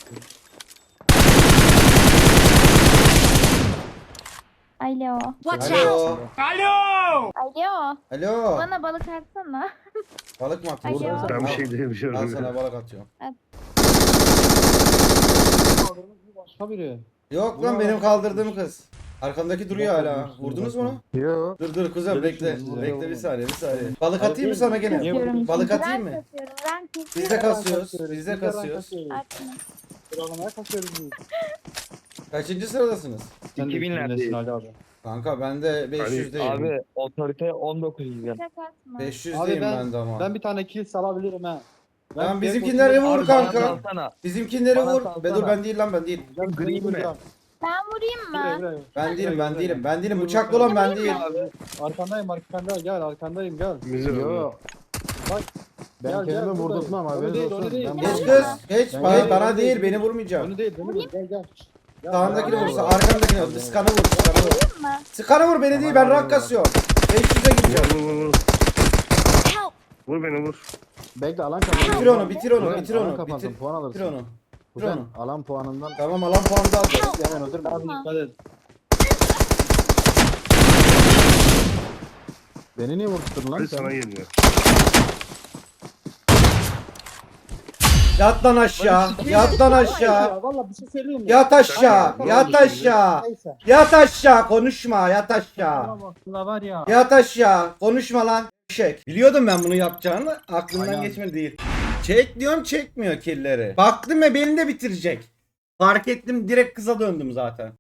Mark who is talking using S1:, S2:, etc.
S1: Alo.
S2: Watch out!
S3: Alo.
S1: Alo.
S4: Alo.
S1: Bana balık atsana.
S4: Balık mı atıyorsun?
S1: Alo.
S5: Ben bir şey diyemiyorum.
S4: Al sana balık atıyorum.
S6: Başka biri.
S4: Yok lan benim kaldırdığım kız. Arkamdaki duruyor hala. Vurdunuz mu onu?
S5: Yok.
S4: Dur kuzum bekle.
S6: Vurdum.
S4: Bekle bir saniye bir saniye. Balık atayım mı sana gene?
S1: Atıyorum.
S4: Balık
S1: çünkü.
S4: atayım
S1: Ben
S4: mı?
S1: kasıyorum. Ben
S4: Biz
S1: kasıyorum.
S4: de kasıyoruz. Biz de kasıyoruz.
S1: Atma.
S6: Sıralamaya kasıyoruz biz.
S4: Kaçıncı sıradasınız?
S6: Sen de
S5: 2000'lerdeyiz.
S6: üstündesin Ali abi.
S4: Kanka ben de 500'deyim.
S5: Abi otorite 19 yüzden.
S1: Tek atma.
S4: 500'deyim
S6: Abi
S4: ben de ama.
S6: ben bir tane kill salabilirim ha.
S4: Lan bizimkileri vur kanka.
S5: Alsana.
S4: Bizimkileri
S5: Bana
S4: vur.
S5: salsana.
S4: Be dur ben değil lan ben değil.
S5: Gri mi?
S1: Ben vurayım mı?
S4: Ben değilim. Bıçaklı olan ben değil.
S6: Arkandayım gel arkandayım gel.
S5: Yok.
S6: Bak.
S7: Ben
S6: Gel,
S7: kendimi
S6: buradayım.
S7: vurdurtmam
S6: Onu
S7: haberiniz
S6: değil, onu
S7: olsun.
S6: değil.
S7: Ben
S4: Geç
S1: Gel.
S4: kız. Geç.
S7: Ben
S4: Hayır
S7: gel.
S4: bana değil beni vurmayacak.
S6: Onu değil gel gel. Gel.
S4: Sağındakini
S1: Gel.
S4: vursa arkandakini vur. Skanı vur. Skanı vur.
S1: Vurayım mı?
S4: Skanı vur beni değil ben rank kasıyorum. 500'e gideceğim.
S5: Vur.
S2: Help!
S5: Vur beni vur.
S7: Bekle alan kapansın.
S4: Bitir onu bitir onu
S7: Kuzen,
S4: bitir
S7: alan
S4: onu.
S7: kapansın,
S4: Bitir,
S7: puan alırsın.
S4: bitir onu.
S7: Kuzen,
S4: onu.
S7: alan puanından
S4: Tamam alan puanı da alacağız.
S7: hemen öldürme.
S6: Abi dikkat et.
S7: Beni niye vurdurttun lan
S5: Hadi
S7: sen?
S5: sana geliyor.
S4: Yat lan aşağı. Yat lan aşağı.
S6: Ya valla bir şey söyleyeyim mi?
S4: Yat aşağı. Yat aşağı.
S6: Neyse.
S4: Yat aşağı. Konuşma. Yat aşağı.
S6: Ama aslında var ya.
S4: Yat aşağı. Konuşma lan. Şek. Biliyordum ben bunu yapacağını. Aklımdan
S6: Aynen.
S4: geçmedi değil. Çek diyorum çekmiyor killeri. Baktım ve beni de bitirecek. Fark ettim direkt kıza döndüm zaten.